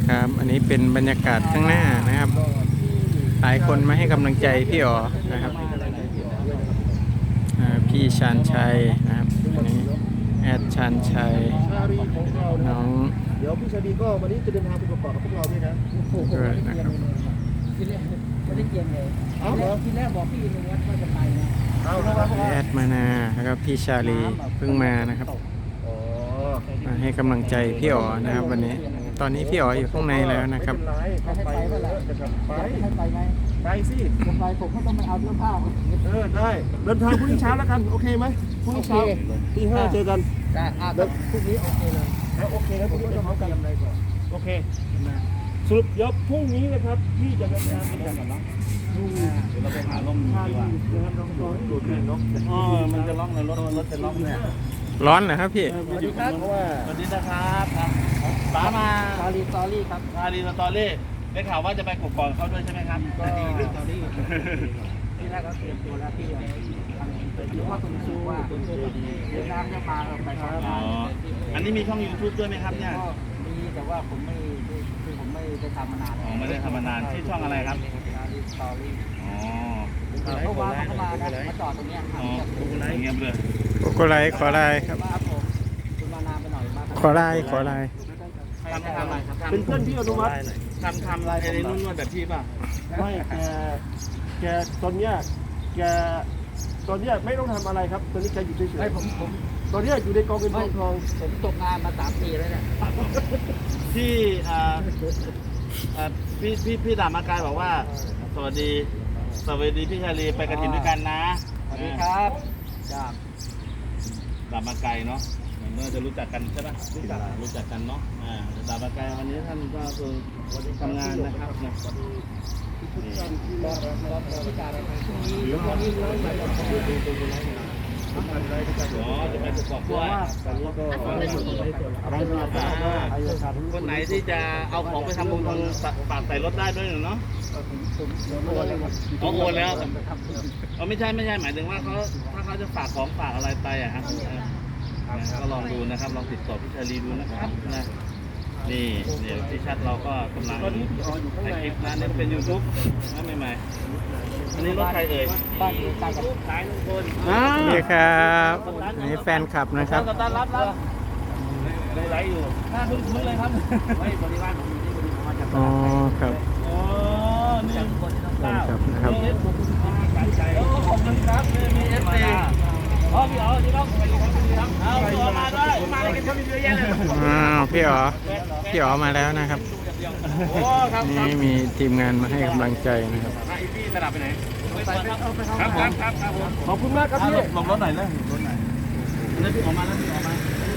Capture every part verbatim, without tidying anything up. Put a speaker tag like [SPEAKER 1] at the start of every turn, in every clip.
[SPEAKER 1] ครับอันนี้เป็นบรรยากาศข้างหน้านะครับหลายคนมาให้กำลังใจพี่อ๋อนะครับพี่ชาญชัยนะครับอันนี้แอดชาญชัยน้อง
[SPEAKER 2] เดี๋ยวพี่ชาดีก็วันนี้จะเดินทางไปประกอบกับพวกเราด้วยนะ
[SPEAKER 1] ด้วยนะครับ
[SPEAKER 3] ที่แรกไม่ได้เกียงเลยที่แรกบอกพี่นึงว่าจะไปนะ
[SPEAKER 1] แอดมานาแล้วก็พี่ชาลีเพิ่งมานะครับมาให้กำลังใจพี่อ๋อนะครับวันนี้ตอนนี้พี่อ๋ออยู่ข้างในแล้วนะครับ
[SPEAKER 2] ไปไปไป
[SPEAKER 3] ให้ไปไหม
[SPEAKER 2] ไปสิ
[SPEAKER 3] ผมไปผมก็ต้องไปเอาเสื้อผ้า
[SPEAKER 2] เออได้เดินทางพรุ่งนี้เช้าแล้วกันโอเคไหมพรุ่งนี้เช้าตีห้าเจอกัน
[SPEAKER 3] ได้อ่ะแล้วพรุ่งนี้โอเคเลย
[SPEAKER 2] โอเคแล้วพรุ่งนี้จะพร้อมกันอะไรก่อนโอเคสรุปยกพรุ่งนี้นะครับพี่จะเดินทางไปกันก่อนนะ
[SPEAKER 4] เดี๋ยวเราไปหาล่มดีกว่า
[SPEAKER 2] นะครับน้องๆดูดเนาะ
[SPEAKER 4] อ๋อมันจะล่องในรถรถจะล่องเนี่ย
[SPEAKER 1] ร้อนเหรอครับพี่
[SPEAKER 4] สวัสดีครับสวัสดีนะครับป๋ามา
[SPEAKER 3] คารีสตอรี่ครับ
[SPEAKER 4] คารีสตอรี่ได้ข่าวว่าจะไปกบก่อนเขาด้วยใช่ไหมครับ
[SPEAKER 3] ก็สตอรี่ที่แรกก็เตรียมตัวแล้วที่ทำยูว่าคุณซูว่าเดี๋ยวน้ำจะมาไปทำงาน
[SPEAKER 4] อันนี้มีช่อง ยูทูบ ด้วยไหมครับเนี่ย
[SPEAKER 3] มีแต่ว่าผมไม่คือผมไม่ได้ทำมานาน
[SPEAKER 4] อ๋อไม่ได้ทำมานานที่ช่องอะไรครับ
[SPEAKER 3] คารีสตอรี่
[SPEAKER 4] อ๋อ
[SPEAKER 3] เพราะว่าเขาเข้ามานะมาจอดตรงนี้
[SPEAKER 4] อ๋อเงียบเลย
[SPEAKER 1] โกโกไลขอไลครับ
[SPEAKER 3] คุณมานานไปหน่อยมาก
[SPEAKER 1] ขอไลขอไล
[SPEAKER 4] ทำทำอะไรครับ
[SPEAKER 2] เป็นเพื่อนพี่อนุวัฒน์
[SPEAKER 4] ทำทำอะไรในนุ่นวดแบบพี่ป่ะ
[SPEAKER 2] ไม่แกแกตอนเนี้ยแกตอนเนี้ยไม่ต้องทำอะไรครับตอนนี้แกอยู่เฉย
[SPEAKER 3] ๆผมผม
[SPEAKER 2] ตอนเนี้ยอยู่ในกองเงินกองทอง
[SPEAKER 3] ผมตกงานมาสามปีแล้วเนี่ย
[SPEAKER 4] ที่อ่าพี่พี่พี่ดามากายบอกว่าสวัสดีสวัสดีพี่ชาลีไปกระถิ่นด้วยกันนะ
[SPEAKER 3] สวัสดีครับจ้า
[SPEAKER 4] ดามากายเนาะเหมือนจะรู้จักกันใช่ไหมรู้จักรู้จักกันเนาะอ่าดามากายวันนี้ท่านก็คือทำงานนะครับเนี่ยอ๋อจะไปประกอบด้วยคนไหนที่จะเอาของไปทำบุญทางฝากใส่รถได้ด้วยเนาะเขาโอนแล้วเขาไม่ใช่ไม่ใช่หมายถึงว่าเขาถ้าเขาจะฝากของฝากอะไรไปอ่ะครับก็ลองดูนะครับลองติดต่อพี่ชาลีดูนะครับนะนี่เนี่ยพี่ชัดเราก็กำลังถ่ายคลิปนะนี่เป็น ยูทูบ นะใหม่ๆอันนี้รถใครเอ่ย
[SPEAKER 3] บ้านอยู่ใกล้กับ
[SPEAKER 4] สายลุงพล
[SPEAKER 1] นี่ครับนี่แฟนคลับนะครับ
[SPEAKER 4] ต้อนรับรับดูไลฟ์อยู่หน้าคุ้นๆเลยครับไม่บริวารผมอยู่นี่ผมมาจาก
[SPEAKER 1] อ๋อครับ
[SPEAKER 4] อ๋อนี่คนที่ต้องเล่า
[SPEAKER 1] นะครับ
[SPEAKER 4] ขอบคุณครับมีเอฟซีอ๋อพี่อ๋อที่ต้องสวัสดีครับสวัสดีครับเอาพี่อ๋อมาด้วยมาได้กันเขามีเยอะแยะเลย
[SPEAKER 1] อ้าวพี่อ๋อพี่อ๋อมาแล้วนะครับนี่มีทีมงานมาให้กำลังใจนะครับ
[SPEAKER 4] อีพี่สลับไปไหน
[SPEAKER 2] ครับครับครับขอบคุณมากครับพี่
[SPEAKER 4] ลงรถหน่อยเลยรถหน่อยแล้วพี่ออกมาแล้วพี่ออกมาร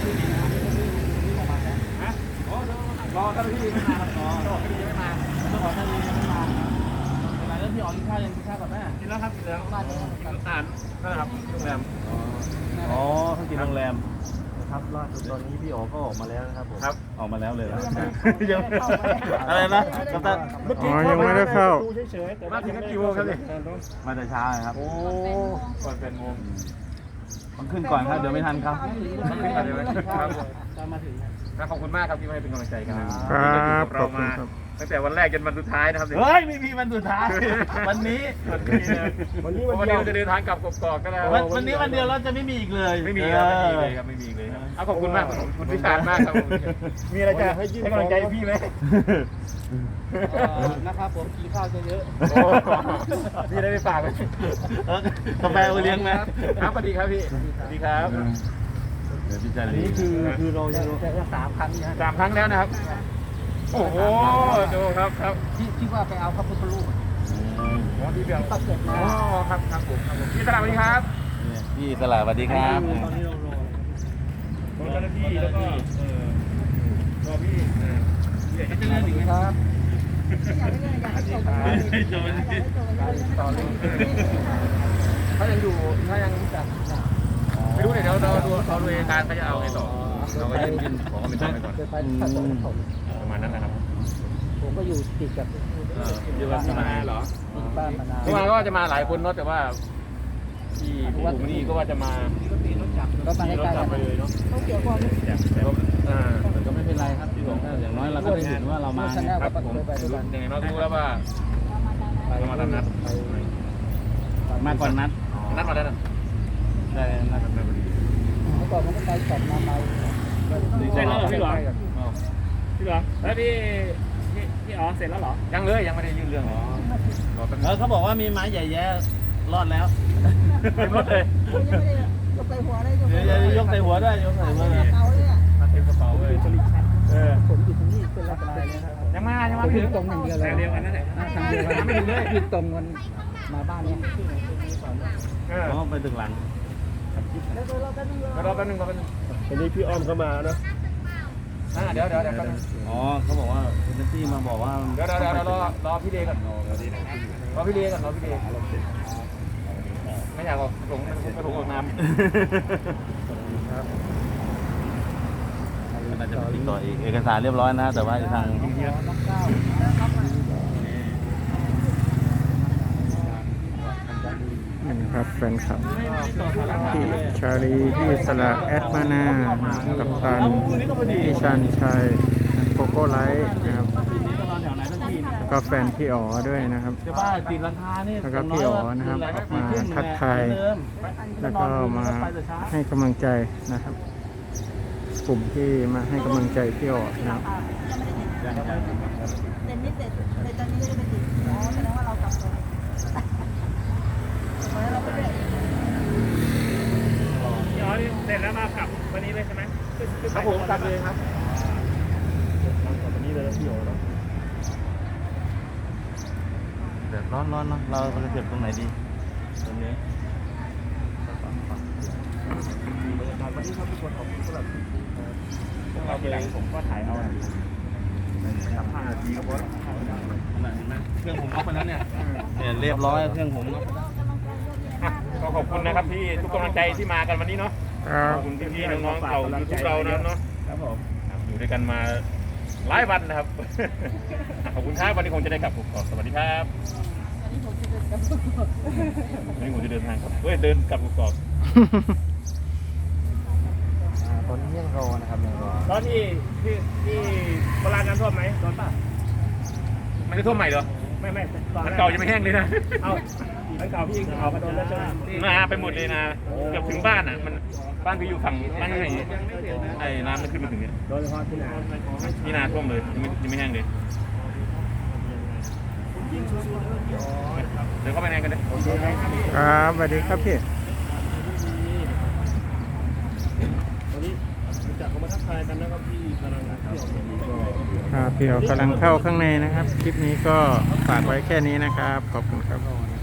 [SPEAKER 2] อท่านพี่ไม่มาครับรอท่านพี่ไม่มา
[SPEAKER 4] ต้องขอท่านพี่ไม่มาแล้วพี่ออกกินข้าวยังกินข้าวกับแม่
[SPEAKER 2] กินแล้วครับกินแล้วอ่านนะครับโรงแรม
[SPEAKER 4] อ๋อเขากินโรงแรม
[SPEAKER 2] ครับล่าสุดตอนนี้พี่อ๋อก็ออกมาแล้วนะครับผม
[SPEAKER 4] ครับออกมาแล้วเลยนะยังอะไรนะกัปตัน
[SPEAKER 1] อ๋อยังไม่ได้เข้า
[SPEAKER 2] เฉยๆแต่มาถึงกี่โมงครับเนี่ย
[SPEAKER 4] มาแต่เช้าครับ
[SPEAKER 2] โอ้ก่อนเป็นโมง
[SPEAKER 4] ต้องขึ้นก่อนครับเดี๋ยวไม่ทันครับ
[SPEAKER 2] ต้องขึ้นก่อนเดี๋ยวไม่ทันครับมาถึงขอบคุณมากครับที่มาให้เป็นกำลังใจกัน
[SPEAKER 1] ครับขอบคุณครับ
[SPEAKER 2] ตั้งแต่วันแรกจนวันสุดท้ายนะครับ
[SPEAKER 4] เฮ้ยไม่มีวันสุดท้ายวันนี้
[SPEAKER 2] วันนี้วันเดียวจะเดินทางกลับกกอกก็แล้ว
[SPEAKER 4] วันนี้วันเดียวเราจะไม่มีอีกเลย
[SPEAKER 2] ไม่มีครับไม่มีเลยครับไม่มีเลยครับขอบคุณมากคุณพิชานมากครับมีอะไรจะให้กำลังใจพี่ไหม
[SPEAKER 3] นะครับผมกินข้าวเยอะ
[SPEAKER 2] ๆพี่ได้ไปฝากเลย
[SPEAKER 4] กาแฟเอาเลี้ยงไหม
[SPEAKER 2] ครับสวัสดีครับพี่สวัสดีครับ
[SPEAKER 4] อั
[SPEAKER 2] นนี้คือคือเรา
[SPEAKER 3] จะสามครั้งนะ
[SPEAKER 2] สามครั้งแล้วนะครับโอ้โหดูครับครับ
[SPEAKER 3] ที่ที่ว่าไปเอาพระพุทธรูป
[SPEAKER 2] อ๋อที่เบียงตัดเสร็จแล้วอ๋อครับครับผมครับผมพี่ตลาดสวัสดีครับ
[SPEAKER 4] พี่ตลาดสวัสดีครับ
[SPEAKER 2] ตอนนี้เรารอรอเจ้าหน้าที่แล้วก็เออรอพี่เดี๋ยวจะเลื่อนอีกครับเขายังอยู่เขายังแบบไม่รู้เลยเดี๋ยวเราดูเขาดูการเขาจะเอาไงต่อเราก็ยื่นยื่นขอเป็นต้นไปก่อนประมาณนั้นนะครับ
[SPEAKER 3] ผมก็อยู่ติดกับ
[SPEAKER 2] อยู่บ้านมาเหรอ
[SPEAKER 3] บ้านมานาน
[SPEAKER 2] เมื่อวานก็จะมาหลายคนเนาะแต่ว่าที่ผู้นี่ก็ว่าจะมา
[SPEAKER 3] ก็มาใกล้ๆ
[SPEAKER 2] ไปเลยเนาะอ่า
[SPEAKER 4] แต่ก็ไม่เป็นไรครับพี่หลวงอย่างน้อยเราก็ได้เห็นว่าเรามา
[SPEAKER 3] ชแนล
[SPEAKER 2] ค
[SPEAKER 3] ก็
[SPEAKER 2] รับผม
[SPEAKER 3] เคยไปด้วยกัน
[SPEAKER 2] ยังไงเรารู้แล้วว่าเรามาทำนัด
[SPEAKER 4] มาก่อนนัด
[SPEAKER 2] นัดมาแล้วนะ
[SPEAKER 4] ได้นัด
[SPEAKER 2] นัดมาพอดี
[SPEAKER 3] เมื่อก่อนมันก็ไปสองมาไป
[SPEAKER 5] เสร็จแล้วเหรอพี่หลวงพี่หลวงแล้วพี่พี่พี่อ๋อเสร็จแล้วเหรอ
[SPEAKER 2] ยังเลยยังไม่ได้ยื่นเรื่องอ๋อรอแป๊บนึ
[SPEAKER 4] เอง อเขาบอกว่ามีไม้ใหญ่แย่รอดแล้ว
[SPEAKER 2] เต็มรถเลย
[SPEAKER 3] ยังไม่ได้ยกไปหัวได้ยก
[SPEAKER 4] เดี๋ยวจะยกใส่หัวด้วยยกใส่หัวเลย
[SPEAKER 3] เตาเลยอ่ะ
[SPEAKER 2] มาเต็มกระเป๋าเลยเออ
[SPEAKER 3] ผมอยู่ตรงนี้เป็นลักษณะเลยครับ
[SPEAKER 2] ยังมายัง
[SPEAKER 3] ผ
[SPEAKER 2] มาม ไม่
[SPEAKER 3] วิ่
[SPEAKER 2] ถึ
[SPEAKER 3] ง
[SPEAKER 2] ง
[SPEAKER 3] ตรงอย่างเดียวเลย
[SPEAKER 5] ทางเดียวกันนั่นแหละ
[SPEAKER 3] ทางเดียวกันไม่ถึงเลยวิ่งตรงมันมาบ้านเนี้ย
[SPEAKER 2] เออ
[SPEAKER 4] อ๋อไปถึงหลัง
[SPEAKER 3] แล้วรอแป๊บนึง
[SPEAKER 2] รอแป๊บนึงรอแป๊บนึง
[SPEAKER 6] วันนี้พี่อ้อมเข้ามาเนอะ
[SPEAKER 2] อ่าเดี๋ยวเดี๋ยวเดี๋ยวแป๊บนึง
[SPEAKER 4] อ๋อเขาบอกว่าเอเจนซี่มาบอกว่า
[SPEAKER 2] เดี๋ยวเดี๋ยวเดี๋ยวรอรอพี่เดย์ก่อนรอพี่เดย์ก่อนรอพี่เดย์ไม่อยากออกหลงกระถุงออกน้ำ
[SPEAKER 4] มันอาจจะติดต่ออีกเอกสารเรียบร้อยนะแต่ว่าทาง
[SPEAKER 1] นี่นะครับแฟนคลับพี่ชาลีพี่สละแอดมานากับตันพี่ชันชัยโกโก้ไลท์นะครับ
[SPEAKER 4] ทีนี้ก็นอนแถวไหนทันทีเนี่ย
[SPEAKER 1] แล้วก็แฟนพี่อ๋อด้วยนะครับ
[SPEAKER 4] เจ้าบ้าติดราคานี่
[SPEAKER 1] แล้วก็พี่อ๋อนะครับออกมาทักทาย แล้วก็มาให้กำลังใจนะครับ กลุ่มที่มาให้กำลังใจพี่อ๋อนะครับ
[SPEAKER 3] เซ็นนี่เสร็จในตอนนี้ก็จะไปติดอ๋อแสดงว่าเรากลับก่อนเราไปเลย
[SPEAKER 5] พี่อ๋อนี่เสร็จแล้วมาขับวันนี้เลยใช่ไหมขึ้นขึ้น
[SPEAKER 2] ครับผมกลับเลยครับ
[SPEAKER 6] วันนี้เลยพี่โอ๋เนอะ
[SPEAKER 4] เดือดร้อนร้อนเนาะเราจะเก็บตรงไหนดีตรงนี้
[SPEAKER 6] บรรยากาศวันนี้ครับทุกคนขอบคุณสำหรับ
[SPEAKER 5] เราทีหลังผมก็ถ่ายเอาสามห้านาทีก็พอ
[SPEAKER 4] เห็นไหมเครื่องผมน็อกไปแล้วเนี่ยเนี่ยเรียบร้อยเครื่องผมน็อก
[SPEAKER 2] ก็ขอบคุณนะครับที่ทุกกำลังใจที่มากันวันนี้เนาะ
[SPEAKER 1] ครับ
[SPEAKER 2] ขอบคุณพี่ๆน้องๆเก่ายูทูบเรานะเนาะ
[SPEAKER 5] ครับผม
[SPEAKER 2] ครับอยู่ด้วยกันมาหลายวันนะครับ ขอบคุณครับวันนี้คงจะได้กลับผมก่อนสวัสดีครับวันนี้ผมจะเดินทางครับเฮ้ยเดินกลับผมก่อน
[SPEAKER 6] ตอนนี้ยังรอนะครับยังรอ
[SPEAKER 5] ตอนที่ที่ที่โบราณน้ำท่วมไหมโดนป่ะ
[SPEAKER 2] มันจะท่วมใหม่เหรอ
[SPEAKER 5] ไม่ไม่ตอน
[SPEAKER 2] มัน
[SPEAKER 5] แร
[SPEAKER 2] เก่ายังไม่แห้งเลยนะ
[SPEAKER 5] เอาอันเก่าพี่เอามาโดนแล้วใช่ไหม
[SPEAKER 2] มาไปหมดเลยนะเกือบถึงบ้านอ่ะมันบ้านพี่อยู่ฝั่งบ้านไหนไอ้น้ำมันขึ้นมาถึงเนี่ย
[SPEAKER 5] โดยเฉพาะที่ไหน
[SPEAKER 2] นี่นาท่วมเลยยังไม่ยังไม่แห้งเลยเดี๋ยวเข้าไปในกันเลย
[SPEAKER 1] ครับสวัสดีครับพี่
[SPEAKER 6] วันนี้จากเขามาทักทายกันนะครับพี่กำลังพี่ออกมาก็
[SPEAKER 1] ครับพี่อ๋อกำลังเข้าข้างในนะครับ คลิปนี้ก็ฝากไว้แค่นี้นะครับ ขอบคุณครับ